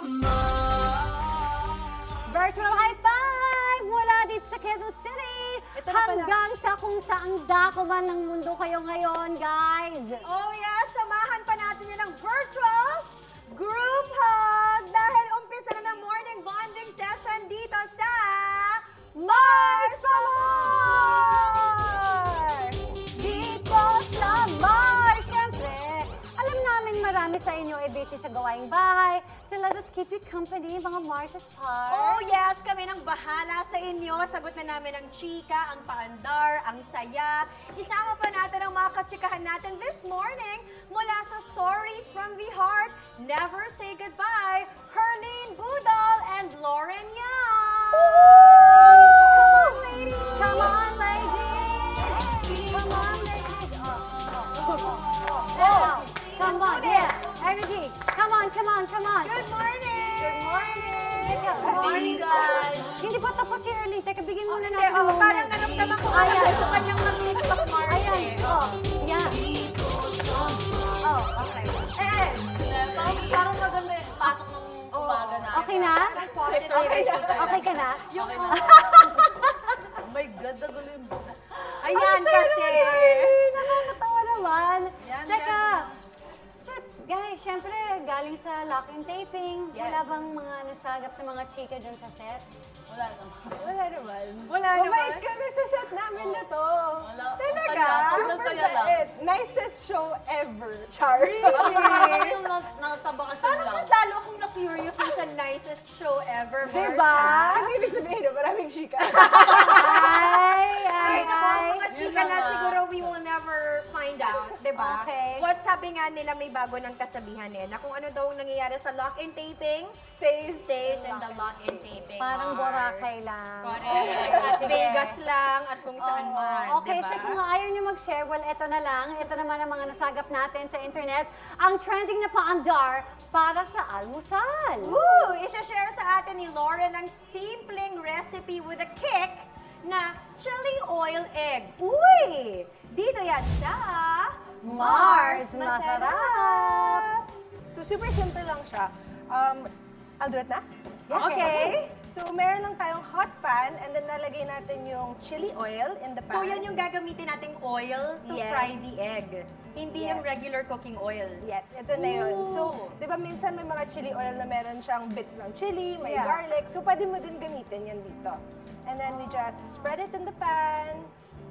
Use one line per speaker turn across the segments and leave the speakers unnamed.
Virtual high five mula dito sa Quezon City hanggang sa kung saang dako man ng mundo kayo ngayon, guys.
Oh yeah, samahan pa natin yun ng virtual group hug dahil umpisa na ng morning bonding session dito sa Mars Palor!
Dito sa Mars! Siyempre, alam namin marami sa inyo ay busy sa gawaing bahay. So let us keep you company, mga Mars at Stars.
Oh yes, kami nang bahala sa inyo. Sagot na namin ang chika, ang paandar, ang saya. Isama pa natin ang mga katsikahan natin this morning mula sa Stories from the Heart, Never Say Goodbye, Herlene Budol and Lauren Yang.
Come on, ladies! Come on, ladies! Come on, yeah! Energy! Come on, come on, come on!
Good morning!
Good morning!
Good morning, guys!
Hindi pa tapos si Erlene. Teka, bigyan muna
Hindi,
natin ng moment.
parang naramdaman ko
Ayan.
gusto kanyang mag-tiktok Mars.
Ayan, yeah.
Oh, okay. Eh,
Parang maganda yung pasok ng umaga na.
Okay na? Okay ka na?
Yung oh my God, nagulo yung bukas.
ayan kasi.
Nakakatawa naman.
Yan,
Teka, guys, syempre, galing sa lock and taping.
Yes.
Wala bang mga nasagap na mga chika dyan sa set?
Wala naman.
Wala naman. Wala
Mabait kami sa set namin na to.
Wala.
Talaga?
Ang saya, sobrang saya lang.
Bait. Nicest show ever. Char.
Parang yung nasa bakasyon
Parang
lang.
mas lalo akong na-curious dun sa nicest show ever.
Diba?
Mars,
Kasi ibig sabihin, no, maraming chika.
Ay, naku, mga chika
Yun
na
na.
siguro we will never find out, di ba?
Okay.
What sabi nga nila may bago ng kasabihan na kung ano daw ang nangyayari sa lock and taping, stays in the lock and taping.
Parang Boracay lang.
Correct. Las Vegas lang at kung saan man,
Okay,
diba?
so kung ayaw nyo mag-share, well, eto na lang. Ito naman ang mga nasagap natin sa internet. Ang trending na paandar para sa almusal.
Woo! Isha-share sa atin ni Lauren ang simpleng recipe with a kick na chili oil egg. Uy! Dito yan sa
Mars Masarap!
So, super simple lang siya. I'll do it na?
Okay.
So, meron lang tayong hot pan and then nalagay natin yung chili oil in the pan.
So yan yung gagamitin nating oil to
Yes.
fry the egg. Hindi yung
Yes.
regular cooking oil.
Yes, ito na yun.
Ooh.
So, di ba minsan may mga chili oil na meron siyang bits ng chili, may
Yeah.
garlic. So, pwede mo din gamitin yan dito. And then we just spread it in the pan.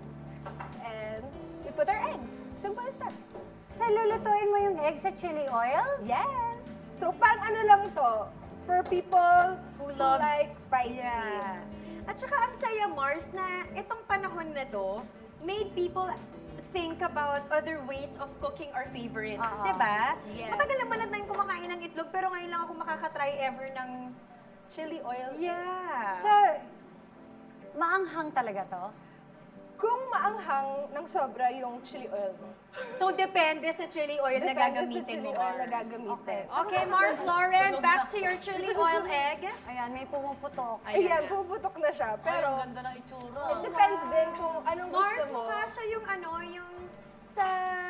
And we put our eggs. Simple as that.
So, lulutuin mo yung egg sa chili oil?
Yes! So, pang ano lang to, for people who
loves-
like spicy.
Yeah. At saka ang saya, Mars, na itong panahon na to made people think about other ways of cooking our favorites.
Oo.
Diba?
Yes.
Matagal naman na tayong kumakain ng itlog, pero ngayon lang ako makakatry ever ng...
Chili oil.
Yeah.
So, maanghang talaga to?
Kung maanghang ng sobra yung chili oil mo.
So, depende sa chili oil na
Depende sa
gagamitin
chili
mo,
oil na
Mars.
gagamitin.
Okay, Mars, Lauren, back to your chili oil egg.
Ayan, may pumuputok.
Ayan, puputok na siya.
Pero,
Pero,
ang ganda ng itsura.
it depends din kung anong gusto
Mars,
mo.
mukha siya yung ano, yung sa...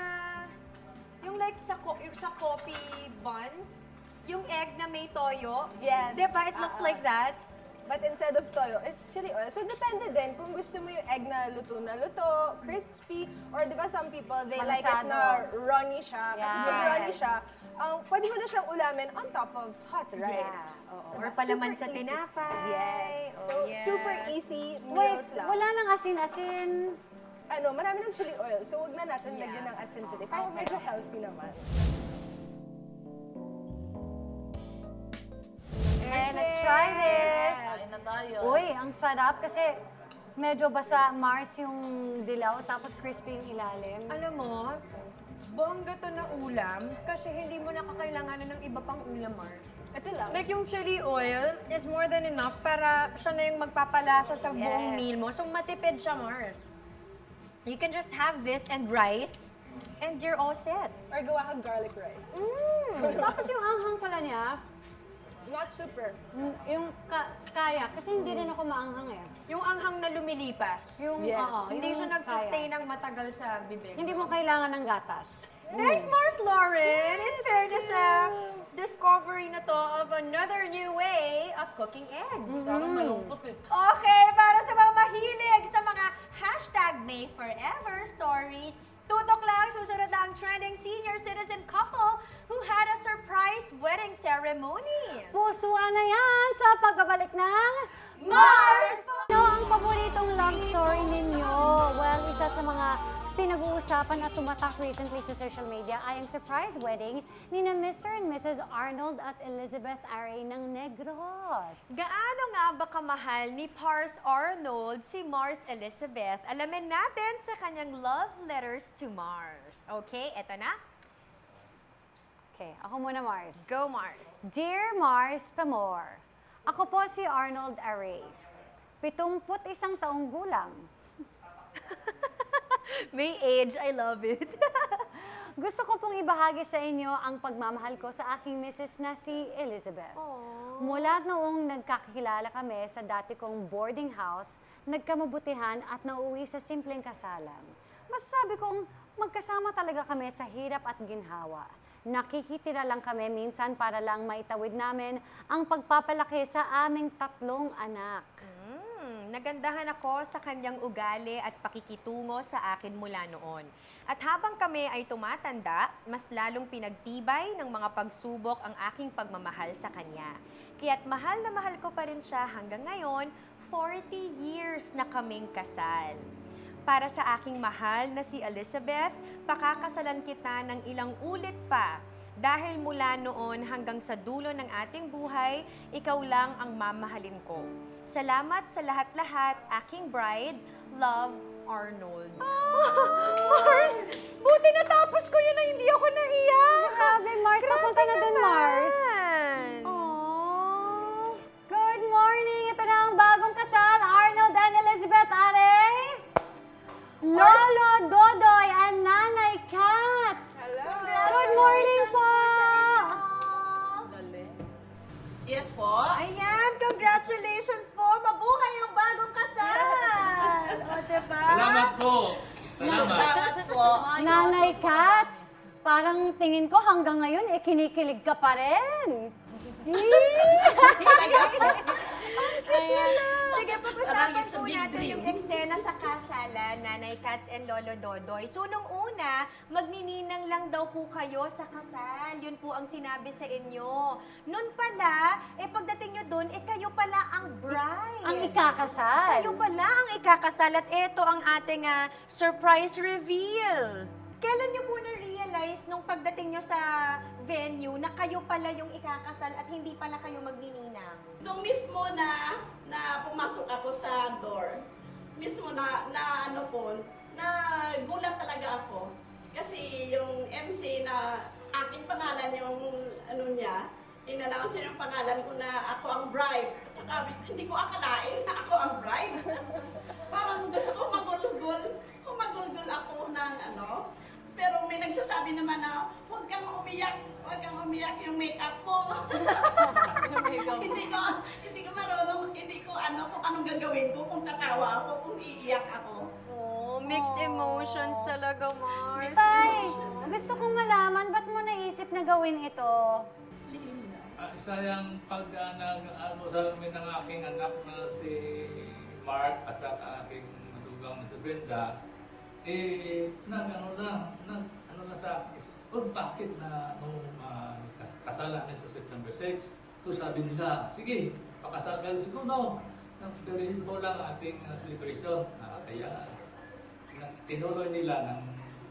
Yung like sa coffee buns, yung egg na may toyo.
Yes.
Diba? It looks like that.
But instead of toyo, it's chili oil. So, depende din kung gusto mo yung egg na luto, crispy, or di ba some people, they like it na runny siya. Kasi pag
Yes.
runny siya, pwede mo na siyang ulamin on top of hot rice.
Yeah.
Oo.
Diba?
Or palaman
Super
sa
easy.
tinapay.
Yes.
Oh,
So,
yes.
super easy
Wait,
meals lang.
wala nang asin-asin.
Marami ng chili oil. So, wag na natin lagyan ng asin today. Parang medyo healthy naman.
Okay, let's try this.
Kain na tayo.
Uy, ang sarap kasi medyo basa Mars yung dilaw tapos crispy yung ilalim.
Alam mo, bongga to na ulam kasi hindi mo nakakailanganan ng iba pang ulam, Mars.
Ito lang.
Like yung chili oil is more than enough para siya na yung magpapalasa sa buong
Yes.
meal mo. So matipid siya, Mars. You can just have this and rice and you're all set.
Or gawa kang garlic rice.
Tapos yung anghang pala niya,
Not super.
yung kaya, kasi hindi rin ako maanghang eh.
Yung anghang na lumilipas.
Yung,
Yes.
oo,
Hindi
yung
siya nag-sustain
kaya.
ng matagal sa bibig.
Hindi mo kailangan ng gatas.
Thanks, Mars Lauren! In fairness, discovery na to of another new way of cooking eggs.
Parang malungkot eh.
Okay, para sa mga mahilig sa mga #MayForever stories, tutok lang, susunod na ang trending senior citizen couple who had a surprise wedding ceremony.
Pusuan na yan sa pagbabalik ng
Mars!
Ano ang paboritong love story ninyo? Well, isa sa mga pinag-uusapan at tumatak recently sa social media ay ang surprise wedding ni na Mr. and Mrs. Arnold at Elizabeth Aray ng Negros.
Gaano nga ba kamahal ni Pars Arnold si Mars Elizabeth? Alamin natin sa kanyang love letters to Mars. Okay, eto na.
Okay, ako muna, Mars.
Go Mars.
Dear Mars Pamor, ako po si Arnold Aray. 71 taong gulang.
May age, I love it.
Gusto ko pong ibahagi sa inyo ang pagmamahal ko sa aking misis na si Elizabeth. Mula noong nagkakilala kami sa dati kong boarding house, nagkamabutihan at nauwi sa simpleng kasalan. Masasabi kong magkasama talaga kami sa hirap at ginhawa. Nakikitira lang kami minsan para lang maitawid namin ang pagpapalaki sa aming 3 anak.
Nagandahan ako sa kanyang ugali at pakikitungo sa akin mula noon. At habang kami ay tumatanda, mas lalong pinagtibay ng mga pagsubok ang aking pagmamahal sa kanya. Kaya't mahal na mahal ko pa rin siya hanggang ngayon, 40 years na kaming kasal. Para sa aking mahal na si Elizabeth, pakakasalan kita ng ilang ulit pa. Dahil mula noon hanggang sa dulo ng ating buhay, ikaw lang ang mamahalin ko. Salamat sa lahat-lahat, aking bride, Love, Arnold. Mars! Buti natapos ko yun na hindi ako naiyak!
Grabe, Mars. Papunta na din, Mars.
Aww.
Good morning! Ito na ang bagong kasal, Arnold and Elizabeth Aray. Lolo Dodoy and Nanay Kat.
Hello!
Good morning po!
Galing.
Yes po.
Ayan, congratulations po! Mabuhay ang bagong kasal! O, diba?
Salamat po. Salamat.
Salamat po.
Nanay Kat, parang tingin ko hanggang ngayon, kinikilig ka pa rin.
Ayan. Sige, pag-usapan
Parang it's a
po
big
natin
dream.
yung eksena sa kasalan, Nanay Kats and Lolo Dodoy. So, nung una, magnininang lang daw po kayo sa kasal. Yun po ang sinabi sa inyo. Noon pala, pagdating nyo doon, kayo pala ang bride.
Ang ikakasal.
Kayo pala ang ikakasal at ito ang ating surprise reveal. Kailan nyo po na-realize nung pagdating nyo sa venue na kayo pala yung ikakasal at hindi pala kayo magnininang?
Nung mismo na pumasok ako sa door, mismo na ano po, na gulat talaga ako. Kasi yung MC na aking pangalan yung ano niya, in-announce niya yung pangalan ko na ako ang bride. At saka hindi ko akalain na ako ang bride. Parang gusto ko humagulgol ako ng ano. Pero may nagsasabi naman na huwag kang umiyak yung makeup ko. hindi ko marunong, hindi ko ano kung anong gagawin ko, kung tatawa ako, kung iiyak ako.
Oh, mixed emotions talaga, Mars.
Tay, gusto kong malaman, ba't mo naisip na gawin ito?
Isa yung pag-ano sa amin ng aking anak na si Mark at sa aking madugang na si Brenda, ano na sa akin, bakit na nung kasalan niya sa September 6, so sabi nila, sige, pakasal kayo. Siguro, no, nag-receive mo lang ating celebration. Kaya, tinuloy nila ng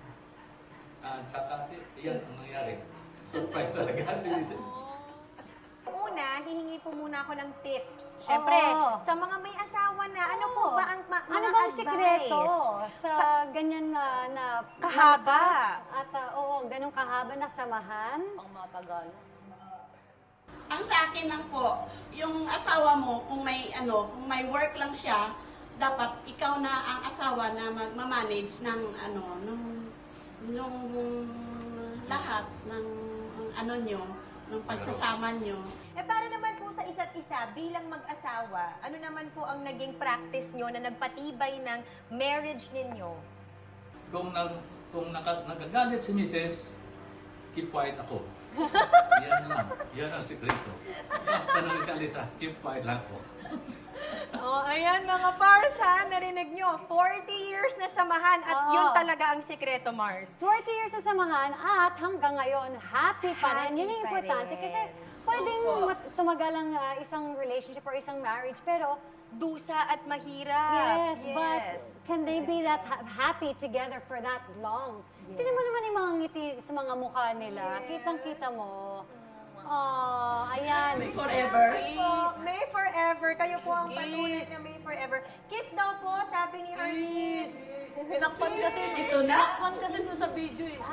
saka, yan ang nangyari. Surprise talaga si Mrs.
Una, hihingi po muna ako ng tips. Siyempre,
Oo.
sa mga may asawa na, ano po ba ang mga
Ano bang
advice?
sikreto sa ganyan na
Kahaba.
malakas at ganong kahaba na samahan?
Pang matagal.
Ang sa akin lang po, yung asawa mo, kung may work lang siya, dapat ikaw na ang asawa na magmamanage ng nung lahat ng ano nyo, ng pagsasama nyo.
Para naman po sa isa't isa, bilang mag-asawa, ano naman po ang naging practice nyo na nagpatibay ng marriage ninyo?
Kung nagagalit si Mrs., keep quiet ako. Yan lang. Yan ang sikreto. Basta nagkalisa, keep quiet lang po.
Oh, ayan mga Mars ha, narinig nyo, 40 years na samahan at
Oo.
yun talaga ang sikreto, Mars.
40 years na samahan at hanggang ngayon, happy pa rin. Yun yung
Happy pa
importante
rin.
kasi pwedeng tumagal ang isang relationship or isang marriage, pero
Dusa at mahirap.
yes, but can they be that happy together for that long? Tingnan mo naman yung mga ngiti sa mga mukha nila. Kitang-kita mo. Oh, ayan.
Forever.
May forever. Kayo po ang patunay na may forever. Kiss daw po, sabi ni Arlene.
Tinakpan kasi,
Ito na.
tinakpan kasi dun sa video eh.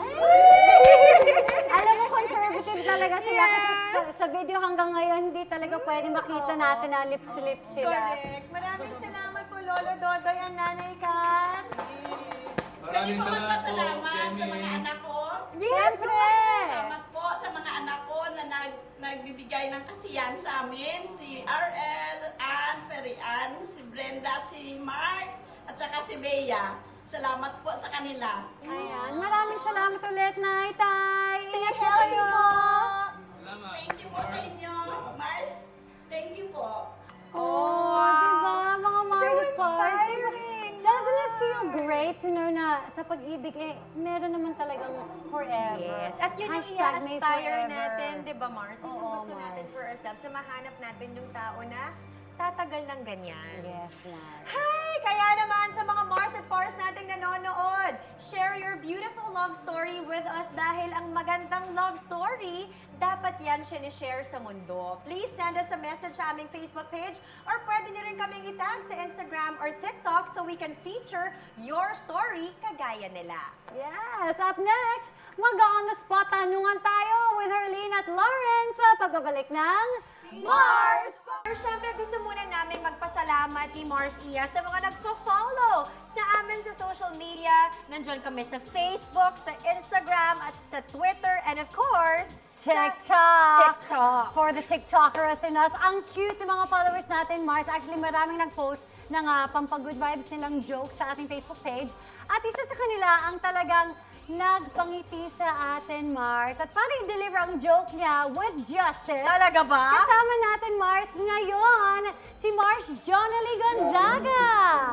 Alam mo, conservative talaga sila kasi sa video hanggang ngayon, hindi talaga pwede makita natin na lips to lips sila.
Correct. Maraming salamat po, Lolo Dodoy and Nanay Kat.
Maraming
Pwede po
salamat po,
magpasalamat sa mga
Jenny.
anak ko.
Yes,
Siyempre!
Salamat po sa mga anak ko na nagbibigay ng kasiyahan sa amin. Si RL, Ann, Ferian, si Brenda, at si Mark, at saka si Bea. Salamat po sa kanila.
Ayan, maraming salamat ulit, Nay, Tay.
Stay healthy po.
Salamat.
Thank you po sa inyo, Mars. Thank you po.
Oh, diba? Mga Mars
So
at Pars, diba?
inspiring.
Doesn't it feel great to know na sa pag-ibig, meron naman talagang forever?
Yes. At yun yung
Hashtag may
i-aspire
forever.
natin, di ba, Mars? Yun yung
Oo,
gusto natin
Mars.
for ourselves, na mahanap natin yung tao na tatagal ng ganyan.
Yes, Mars.
Hi! Kaya naman sa mga Mars at Pars nating nanonood, share your beautiful love story with us dahil ang magandang love story, dapat yan sinishare sa mundo. Please send us a message sa aming Facebook page or pwede nyo rin kaming itag sa Instagram or TikTok so we can feature your story kagaya nila.
Yes, up next, mag-on the spot tanungan tayo with Herlene at Lauren sa pagbabalik ng
Mars! Siyempre, gusto muna namin magpasalamat ni Mars Iya sa mga nagpo-follow sa amin sa social media. Nandiyan kami sa Facebook, sa Instagram, at sa Twitter, and of course,
TikTok.
TikTok.
For the TikTokers in us, ang cute ng mga followers natin, Mars. Actually, maraming nag-post ng pampagood vibes nilang jokes sa ating Facebook page. At isa sa kanila ang talagang nagpangiti sa atin, Mars. At para i-deliver ang joke niya with justice,
Talaga ba?
kasama natin, Mars, ngayon, si Mars Jonalie Gonzaga.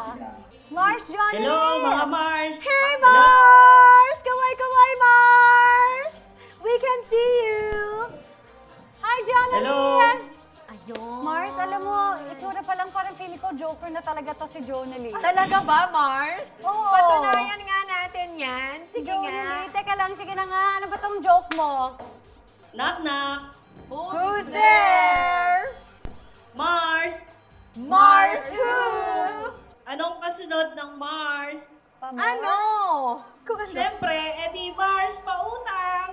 Mars Jonalie!
Hello, mga Mars!
Hey, Mars! Kaway, Mars! We can see you!
Hi, Jonalie!
Hello!
Ayun.
Mars, alam mo, itsura pa lang parang feeling ko joker na talaga to si Jonalie.
Talaga ba, Mars?
Oo.
Patunayan nga natin yan. Sige nga.
Jonalie, teka lang, sige na nga. Ano ba tong joke mo?
Knock, knock!
Who's there?
Mars!
Mars who?
Anong kasunod ng Mars?
Ano? Kung ano?
Siyempre, edi Mars pautang!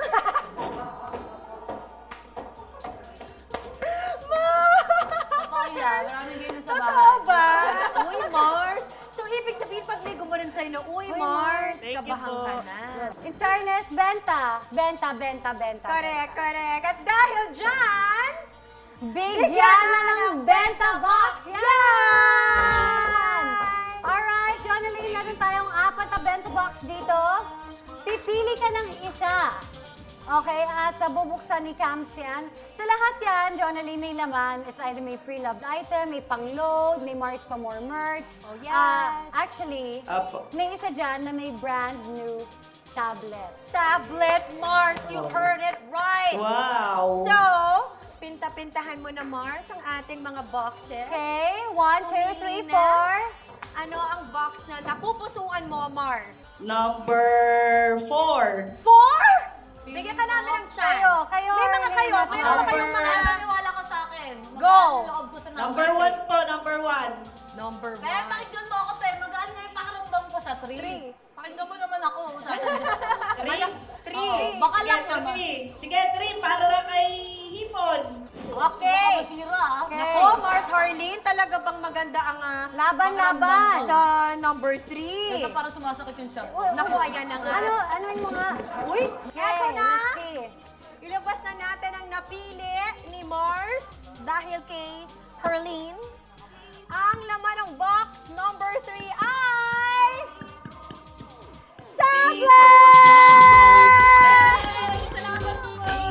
Totoo yan, maraming ganyan sa bahay.
Totoo ba? Uy, Mars. So, ibig sabihin, pag ligo mo rin sa'yo na, uy, Mars,
Thank you
kabahan
po.
ka na.
In fairness, benta. Benta.
Correct. At dahil dyan,
Bigyan na ng benta box yan! Alright, Jonalie, meron tayong 4 na benta box dito. Pipili ka ng isa. Okay, at bubuksan ni Cams yan. Sa lahat yan, Jonalie, may laman. It's either may pre-loved item, may pang-load, may Mars pa more merch.
Oh, yes.
Actually,
Apo.
may isa dyan na may brand new tablet.
tablet, Mars, you heard it right.
Wow!
So, pinta-pintahan mo na, Mars, ang ating mga boxes.
Okay, 1, 2, 3, 4.
Ano ang box na napupusuan mo, Mars?
Number 4.
4? Bigyan ka namin ng chance.
Kayo,
May mga kayo.
Helena.
Meron ba kayong mga...
Naniwala ka sa akin.
Go!
Loob ko sa number 1 po, number 1.
Number 1.
Kaya pakinggan mo ako, te. Magaan nga yung pakiramdam ko sa 3. Pakinggan mo naman ako. 3?
3.
Baka lang naman. Sige, 3. Para na kay Hipon.
Okay.
Masira, ah.
Nako, Mars Harleen, talaga bang maganda ang
Laban.
sa number 3?
Ito parang sumasakit yung shot.
Naku, ayan na nga.
Ano yung mga...
Uy, eto na.
let's see.
Ilabas na natin ang napili ni Mars dahil kay Harleen. Ang laman ng box number 3 ay... tablet!
Salamat po.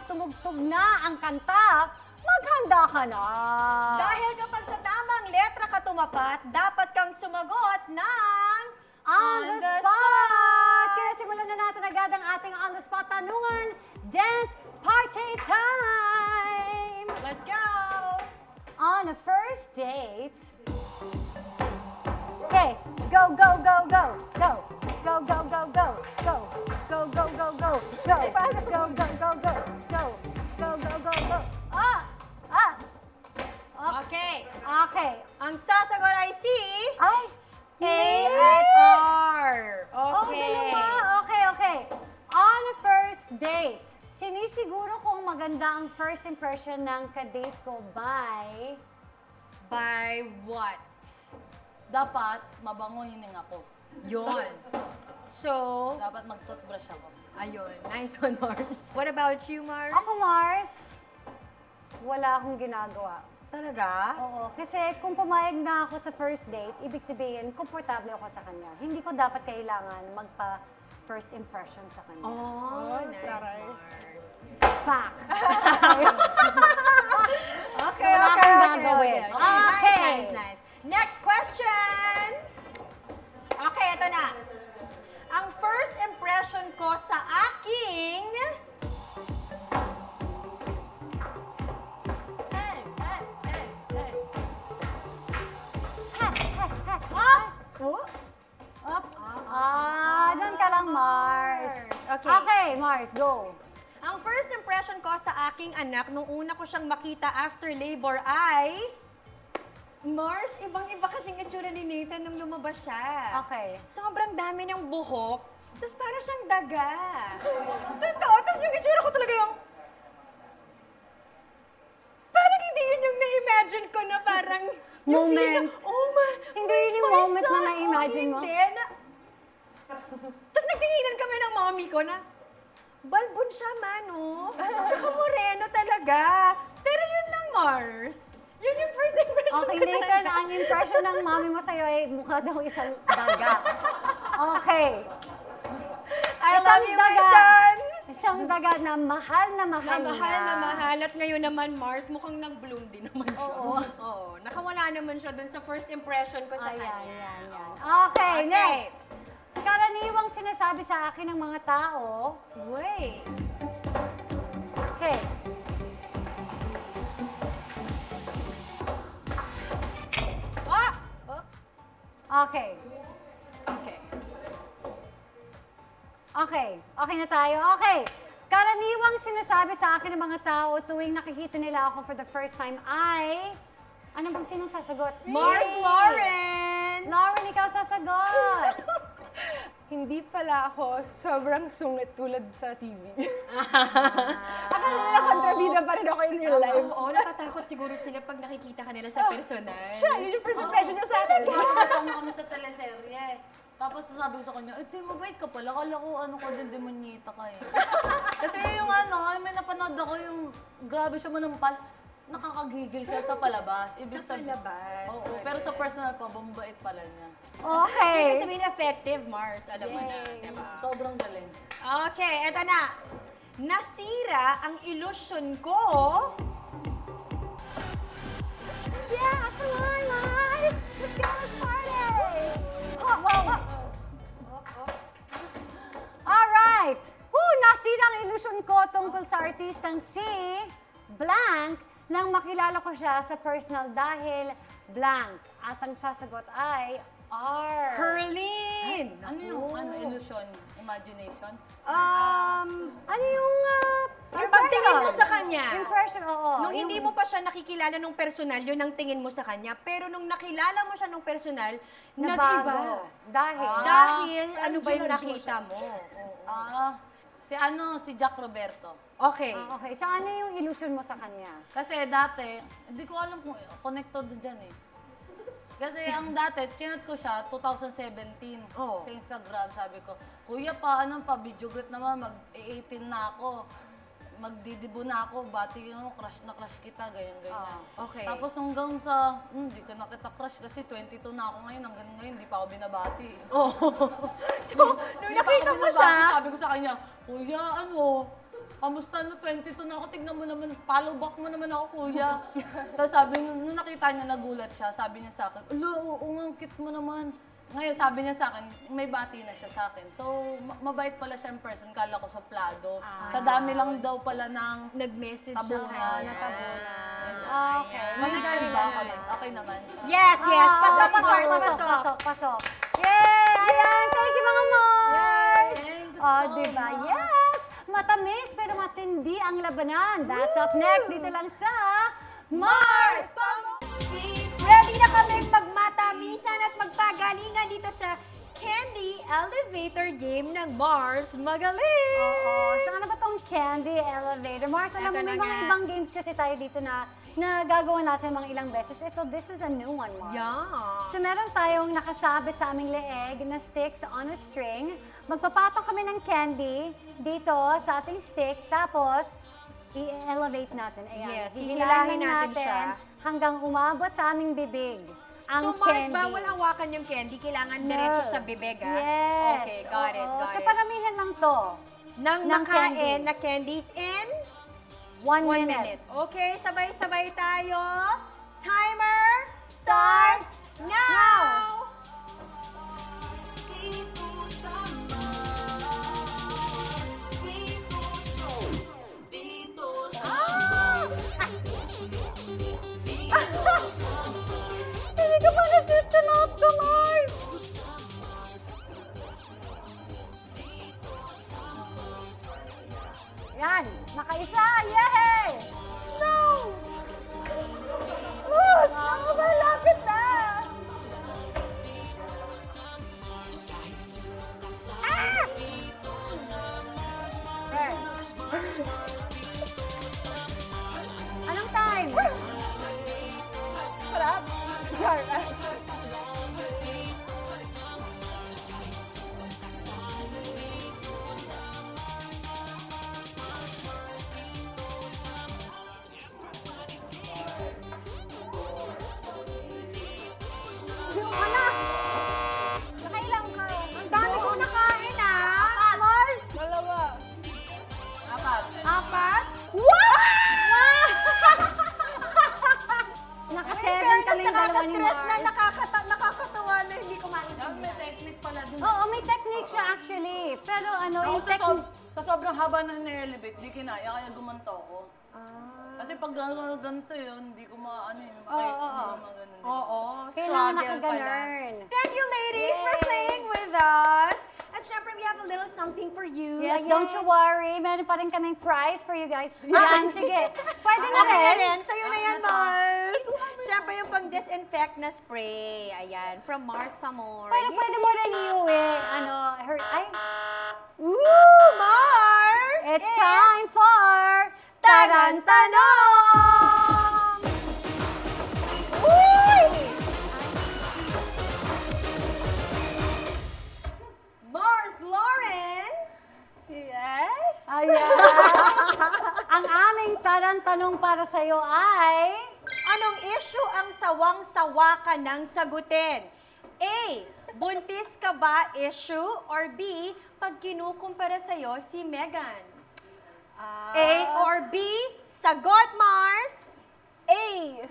tumugtog na ang kanta, maghanda ka na.
Dahil kapag sa tamang letra ka tumapat, dapat kang sumagot ng
On the spot! Kaya simulan na natin agad ang ating on the spot tanungan. Dance party time!
Let's go!
On a first date. Okay, go, go, go, go, go. Go, go, go, go, go. Go, go, go, go, go. Go, go, go, go, go. Go, go, go, go, go. Ah! Ah!
Okay.
Okay.
Ang sasagot ay si
Ay!
A at R.
Oh,
Okay.
dalawa. Okay, okay. On a first date, sinisiguro kong maganda ang first impression ng kadate ko by...
By what?
Dapat mabango hininga ko.
Yon. So,
Dapat mag-toothbrush ako.
ayun. Nice one, Mars. What about you, Mars?
Ako, Mars, wala akong ginagawa.
Talaga?
Oo, kasi kung pumayag na ako sa first date, ibig sabihin, komportable ako sa kanya. Hindi ko dapat kailangan magpa-first impression sa kanya.
Oh, nice,
taray.
Mars.
Pak!
Okay,
Wala
okay,
akong
okay,
gagawin.
okay. Nice,
Okay.
nice, nice. Next question! Okay, ito na. Ang first impression ko sa aking...
Hey, hey, hey, hey.
Up!
Up. Dyan ka lang, Mars.
Okay.
Okay, Mars, go.
Ang first impression ko sa aking anak nung una ko siyang makita after labor ay... Mars, ibang-iba kasing itsura ni Nathan nung lumabas siya.
Okay.
Sobrang dami niyang buhok, tapos parang siyang daga. Totoo, tapos yung itsura ko talaga yung... Parang hindi yun yung na-imagine ko na parang... yung
Moment.
feeling, oh my...
Hindi yun yung
my
moment na
son,
na-imagine mo?
Hindi. Tapos nagtinginan kami ng mommy ko na, balbon siya, Mano. Tsaka moreno talaga. Pero yun lang, Mars. Yun yung first impression
Okay,
ko
Nathan,
talaga.
ang impression ng mami mo sa'yo ay mukha daw isang daga. Okay.
I love you, my
daga.
son.
Isang daga na mahal na mahal
Na mahal
niya.
na mahal. At ngayon naman, Mars, mukhang nag-bloom din naman siya.
Oo.
Oo. Nakawala naman siya dun sa first impression ko sa
Ayan,
kanya.
yan, yan. Okay, next. Karaniwang sinasabi sa akin ng mga tao,
Wait.
okay,
Ah!
okay,
Okay.
okay, okay na tayo. Okay, karaniwang sinasabi sa akin ng mga tao tuwing nakikita nila ako for the first time ay, ano bang sinong sasagot?
Mars
Yay!
Lauren!
Lauren, ikaw sasagot!
Hindi pala ako sobrang sungit tulad sa TV. Akala nila kontrabida pa rin ako in real life.
Oo, natatakot siguro sila pag nakikita ka nila sa personal.
Siya, yun yung first impression niya sa akin.
Kasama kami sa teleserye. Tapos sabi ko sa kanya, di mabait ka pala. Kala ko ano ka din, demonyita ka eh. Kasi yung ano, may napanood ako yung grabe siya manampal. Nakakagigil siya sa palabas. Ibig
Sa palabas.
Oo, pero sa personal ko, bumabait pala niya.
Okay.
Ibig sabihin effective, Mars. Alam mo na.
Yay.
Diba?
Sobrang galing.
Okay, eto na. Nasira ang illusion ko.
Yeah, come on, Mars! Let's go, let's party! Alright! Nasira ang illusion ko tungkol sa artistang si Blank nang makilala ko siya sa personal dahil Blank. At ang sasagot ay R.
Herlin!
Ano yung illusion? Imagination?
Ano yung
Yung pagtingin mo sa kanya.
Impression, oo.
Nung hindi mo pa siya nakikilala nung personal, yun ang tingin mo sa kanya. Pero nung nakilala mo siya nung personal, nag-iba.
nabago. Dahil.
Dahil ano ba yung
Judge mo
nakita mo?
Si Jack Roberto.
Okay.
Okay, so ano yung illusion mo sa kanya?
Kasi dati, hindi ko alam kung connected dyan eh. Kasi ang dati, chinat ko siya 2017
Oh.
sa Instagram. Sabi ko, Kuya pa, ano pa, video greet naman, mag-18 na ako. Magdidibo na ako, bati mo, crush na crush kita, ganyan-ganyan.
Okay.
Tapos hanggang sa, hindi ko na kita crush kasi 22 na ako ngayon, hanggang ngayon, hindi pa ako binabati.
Oh. So, nung
Hindi pa
nakita
ako
mo
binabati,
siya,
sabi ko sa kanya, Kuya, ano, kamusta na 22 na ako, tignan mo naman, follow back mo naman ako, kuya. Tapos sabi, nung nakita niya, nagulat siya, sabi niya sa akin, ulo, oo nga, ang cute mo naman. Ngayon, sabi niya sa akin, may bati na siya sa akin. So, mabait pala siya in person, kala ko suplado. Sa dami lang daw pala ng
Nag-message
tabunan.
siya. Natabunan.
Okay.
Connected ba ako? Okay naman.
Yes, yes. Pasok,
pasok,
Mars,
pasok,
pasok.
pasok, pasok. Yay! Ayan, thank you mga Mars!
Thank you
Oh,
so
diba?
much.
Yes! Matamis pero matindi ang labanan. That's up next dito lang sa Mars!
Ready na kami magmatamisan at magpagalingan dito sa Candy Elevator Game ng Mars Magaling!
Oo. So ano ba tong Candy Elevator? Mars, alam mo,
Eto
may
na
mga
nga.
ibang games kasi tayo dito na gagawa natin mga ilang beses. This is a new one, Mars.
Yeah.
So meron tayong nakasabit sa aming leeg na sticks on a string. Magpapatong kami ng candy dito sa ating stick. Tapos, i-elevate natin. Ayan.
Yes,
Hihilahin
hihilahin natin siya.
hanggang umabot sa aming bibig. Ang
So, Mars,
candy.
bawal hawakan yung candy. Kailangan
No.
diretso sa bibig, ah?
Yes.
Okay, got it,
Oo.
got
So
it.
paramihan lang to.
Nang
ng
makain
candy.
na candies in
1
1
minute.
minute. Okay, sabay-sabay tayo. Timer starts now!
Hindi ka pa na-shoot sa mouth ko, Mars! Yan, nakaisa! Yay! No! Mars! Ako ba? Lapit na! Ah! Anong time?
Sarap. Sure.
Yung anak! Nakailang ka?
Ang dami ko nakain, ah!
Mars!
Dalawa.
Apat.
Apat?
What? Naka-7 kami yung dalawa ni
Nakaka-stress na,
Mars.
nakakatawa na hindi kumain
Sabi, may technique pala dun.
Oo, may technique siya actually. Pero ano,
Ako
yung technique...
sa sobrang haba na na-elevate, di kinaya, kaya gumanto ako. Kasi pag ganito yun, hindi ko maano yun.
Oo, oo.
Oo,
Kailangan
struggle pala.
nakaganon.
Thank you, ladies, for playing with us. At syempre, we have a little something for you.
Yes,
Ayan.
don't you worry. Meron pa rin kaming prize for you guys. Yan, sige. Pwede na
Okay na
rin.
rin. Sa'yo na yan, Mars. Syempre, yung pang-disinfect na spray. Ayan, from Mars Pamor.
Pwede mo rin iuwi. Ano, ay,
Ooh, Mars!
it's time for Tarantanong!
Uy! Mars Lauren!
Yes.
Ayan. Ang aming tarantanong para sa'yo ay...
Anong issue ang sawang-sawa ka ng sagutin? A. Buntis ka ba issue? Or B. Pag kinukumpara sa'yo si Megan? A or B? Sagot, Mars!
A.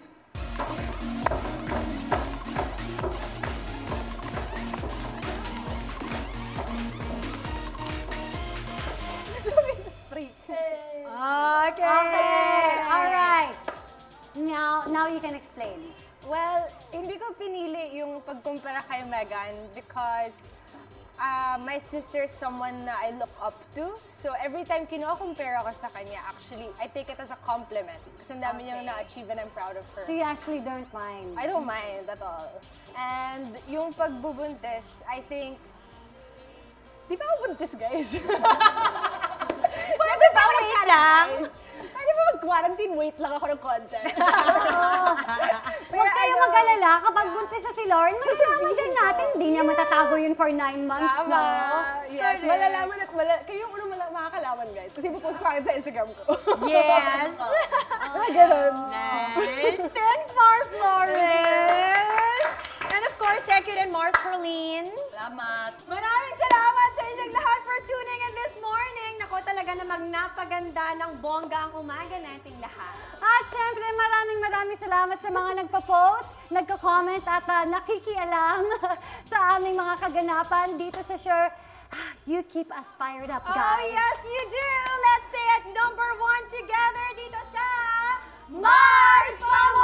Okay.
All right. Now you can explain.
Well, hindi ko pinili yung pagkumpara kay Megan because my sister is someone na I look up to. So every time kinukumpare ako sa kanya, actually, I take it as a compliment. Kasi ang dami niyang na-achieve and I'm proud of her.
So you actually don't mind.
I don't mind at all. And yung pagbubuntis, I think, di ba ako buntis, guys?
Pwede ba wait lang?
Pwede ba mag-quarantine? Wait lang ako ng konti.
Huwag kayo mag-alala. Kapag buntis na si Lauren, malalaman din natin. Hindi niya matatago yun for 9 months,
Tama.
no?
Yes, malalaman at kayo yung unang makakalaman, guys. Kasi pupost ko agad sa Instagram ko.
Yes.
Ganun.
Nice. Thanks, Mars Lauren. And of course, second you din, Mars Perlin.
Salamat.
Maraming salamat sa inyong lahat for tuning in this morning. Nako, talaga namang napaganda ng bongga ang umaga nating lahat.
At syempre, maraming salamat sa mga nagpa-post, nagka-comment at nakikialam sa aming mga kaganapan dito sa Sure. You keep us fired up,
Oh,
guys.
yes, you do. Let's stay at number 1 together dito sa
Mars Pamukha!